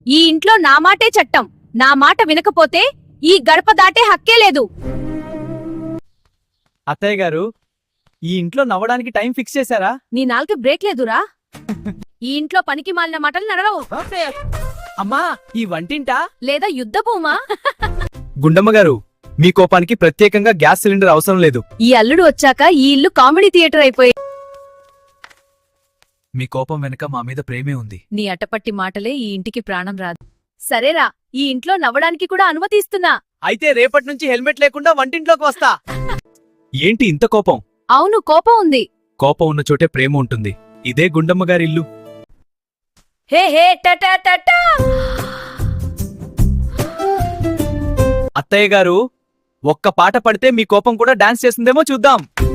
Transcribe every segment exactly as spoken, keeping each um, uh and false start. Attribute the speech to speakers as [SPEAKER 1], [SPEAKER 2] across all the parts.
[SPEAKER 1] ఈ ఇంట్లో నా మాటే చట్టం. నా మాట వినకపోతే ఈ గడప దాటే హక్కే లేదు.
[SPEAKER 2] అత్తయ్య గారు, ఈ ఇంట్లో నవ్వడానికి టైం ఫిక్స్ చేశారా?
[SPEAKER 1] నీ నాలుగు బ్రేక్ లేదురా. ఈ ఇంట్లో పనికి మాలిన మాటలు నడవవు.
[SPEAKER 2] అమ్మా, ఈ వంటింటా
[SPEAKER 1] లేదా యుద్ధ భూమా?
[SPEAKER 2] గుండమ్మ గారు, మీ కోపానికి ప్రత్యేకంగా గ్యాస్ సిలిండర్ అవసరం లేదు.
[SPEAKER 1] ఈ అల్లుడు వచ్చాక ఈ ఇల్లు కామెడీ థియేటర్ అయిపోయి.
[SPEAKER 2] మీ కోపం వెనక మా మీద ప్రేమే ఉంది.
[SPEAKER 1] నీ అటపట్టి మాటలే ఈ ఇంటికి ప్రాణం రాదు. సరేరా, ఈ ఇంట్లో నవ్వడానికి కూడా అనుమతిస్తున్నా.
[SPEAKER 2] అయితే రేపటి నుంచి హెల్మెట్ లేకుండా వంటింట్లోకి వస్తా. ఏంటి ఇంత కోపం?
[SPEAKER 1] అవును, కోపం ఉంది.
[SPEAKER 2] కోపం ఉన్న చోటే ప్రేమ ఉంటుంది. ఇదే గుండమ్మ గారి ఇల్లు.
[SPEAKER 1] హే హే టటా టటా.
[SPEAKER 2] అత్తయ్య గారు, ఒక్క పాట పడితే మీ కోపం కూడా డాన్స్ చేస్తుందేమో చూద్దాం.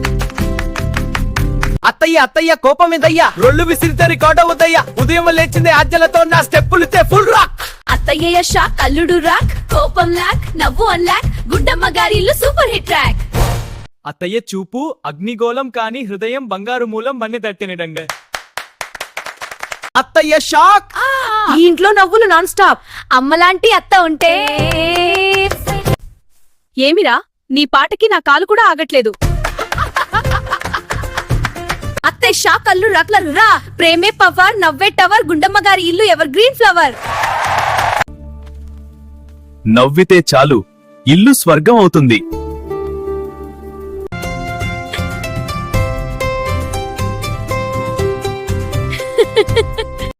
[SPEAKER 2] అత్తయ్య అత్తయ్య కోపం ఏందయ్యా? రొళ్ళు విసిరితే రికార్డ్ అవుద్దయ్యా. ఉదయం లేచిందే ఆజ్ఞలతో నా స్టెప్పులితే ఫుల్ రాక్.
[SPEAKER 1] అత్తయ్య షాక్, అల్లుడు రాక్, కోపం లాక్, నవ్వు అన్లాక్, గుండమ్మ గారి ఇల్లు సూపర్ హిట్ ట్రాక్.
[SPEAKER 2] అత్తయ్య చూపు అగ్నిగోళం కాని హృదయం బంగారు మూలం మన్ని తట్టినడంగ. అత్తయ్య షాక్.
[SPEAKER 1] ఈ ఇంట్లో నవ్వులు నాన్ స్టాప్. అమ్మలాంటి అత్త ఉంటే. ఏమిరా, నీ పాటకి నా కాలు కూడా ఆగట్లేదు. అత్తయ్య షాక్, అల్లు రాక్ల రా. ప్రేమే పవర్, నవ్వే టవర్, గుండమ్మ గారి ఇల్లు ఎవర్ గ్రీన్ ఫ్లవర్.
[SPEAKER 2] నవ్వితే చాలు ఇల్లు స్వర్గం అవుతుంది.